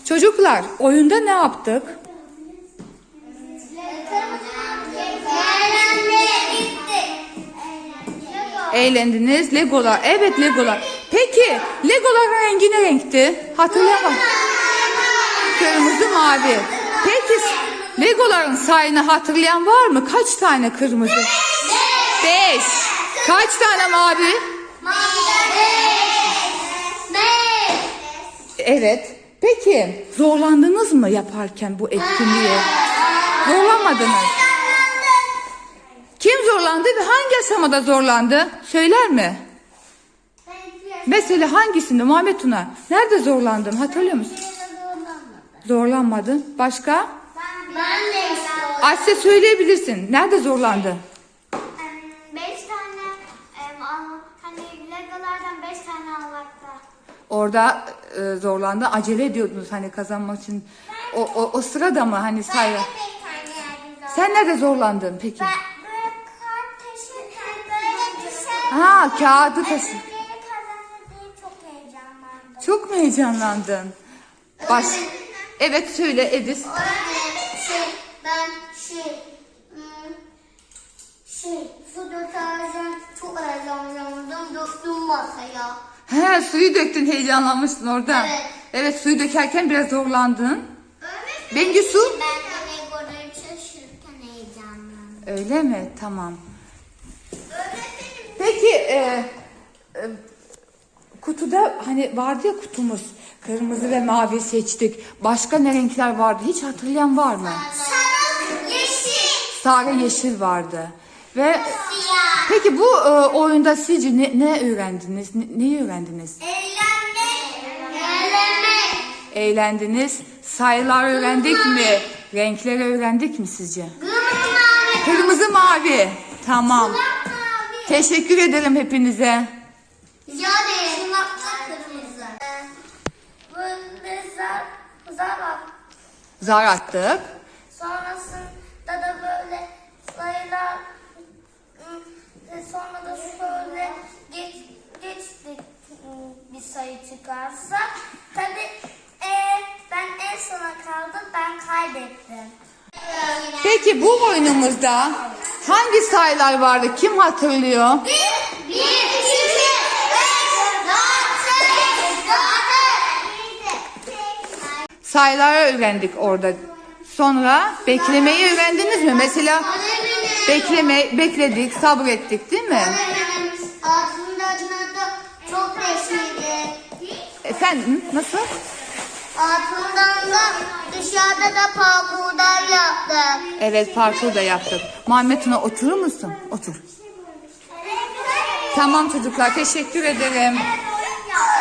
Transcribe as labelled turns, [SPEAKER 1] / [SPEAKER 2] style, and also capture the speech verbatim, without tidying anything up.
[SPEAKER 1] Çocuklar, oyunda ne yaptık? Eğlendiniz. Legolar. Evet, Legolar. Peki, Legoların rengi ne renkti? Hatırlayamam. Kırmızı, mavi. Peki, Legoların sayını hatırlayan var mı? Kaç tane kırmızı? Beş. Kaç tane mavi? Evet. Peki, zorlandınız mı yaparken bu etkinliği? Zorlanmadınız. Kim zorlandı ve hangi aşamada zorlandı? Söyler mi? Mesela hangisinde? Muhammed Tuna. Nerede zorlandın? Hatırlıyor musun? Zorlanmadın. Başka?
[SPEAKER 2] Ben de işte.
[SPEAKER 1] Asya söyleyebilirsin. Nerede zorlandı?
[SPEAKER 2] Beş tane em, al- hani legolardan beş tane almakta.
[SPEAKER 1] Orada e, zorlandı. Acele ediyordunuz hani kazanmak için. O, o, o sırada mı hani sayı?
[SPEAKER 2] Ben de bir tane yerdim.
[SPEAKER 1] Sen nerede zorlandın peki?
[SPEAKER 2] Ben böyle kart taşırken böyle bir şey.
[SPEAKER 1] Ha, kağıdı taşı.
[SPEAKER 2] Beni kazandı diye çok heyecanlandım.
[SPEAKER 1] Çok mu heyecanlandın? Baş. Evet, söyle Edis.
[SPEAKER 2] Şey, ben şey, hmm, şey, su dökerken çok heyecanlandım, döktüm masaya.
[SPEAKER 1] He, suyu döktün, heyecanlanmıştın orada.
[SPEAKER 2] Evet.
[SPEAKER 1] Evet, suyu dökerken biraz zorlandın. Bengisu?
[SPEAKER 2] Ben de legoları taşırken heyecanlandım.
[SPEAKER 1] Öyle mi? Tamam. Peki e, e, kutuda hani vardı ya kutumuz. Kırmızı ve mavi seçtik. Başka ne renkler vardı? Hiç hatırlayan var mı?
[SPEAKER 2] Sarı, yeşil,
[SPEAKER 1] Sarı, yeşil vardı. Ve
[SPEAKER 2] siyah.
[SPEAKER 1] peki bu e, oyunda sizce ne, ne öğrendiniz? Ne, neyi öğrendiniz?
[SPEAKER 2] Eğlenmek, eğlenmek.
[SPEAKER 1] Eğlendiniz. Sayılar öğrendik mi? Renkleri öğrendik mi sizce?
[SPEAKER 2] Kırmızı,
[SPEAKER 1] Kırmızı, mavi. Tamam.
[SPEAKER 2] mavi.
[SPEAKER 1] Teşekkür ederim hepinize.
[SPEAKER 2] Rica ederim. Şunakta kırmızı. Böyle zar, zar at.
[SPEAKER 1] Zar attık.
[SPEAKER 2] Sonrasında da böyle sayılar, ım, sonra da şöyle geç, geçtik ım, bir sayı çıkarsa. Tabii e, ben en sona kaldım, ben kaybettim.
[SPEAKER 1] Peki bu oyunumuzda hangi sayılar vardı? Kim hatırlıyor?
[SPEAKER 2] Bir, bir, iki, beş, altı, altı.
[SPEAKER 1] Sayıları öğrendik orada. Sonra beklemeyi öğrendiniz mi? Mesela bekleme, bekledik, sabrettik değil mi?
[SPEAKER 2] Aslında da çok neşeli.
[SPEAKER 1] Efendim nasıl?
[SPEAKER 2] Altından da dışarıda da parkurlar yaptık.
[SPEAKER 1] Evet, parkur da yaptık. Muhammed Tuna, oturur musun? Otur. Tamam çocuklar, teşekkür ederim.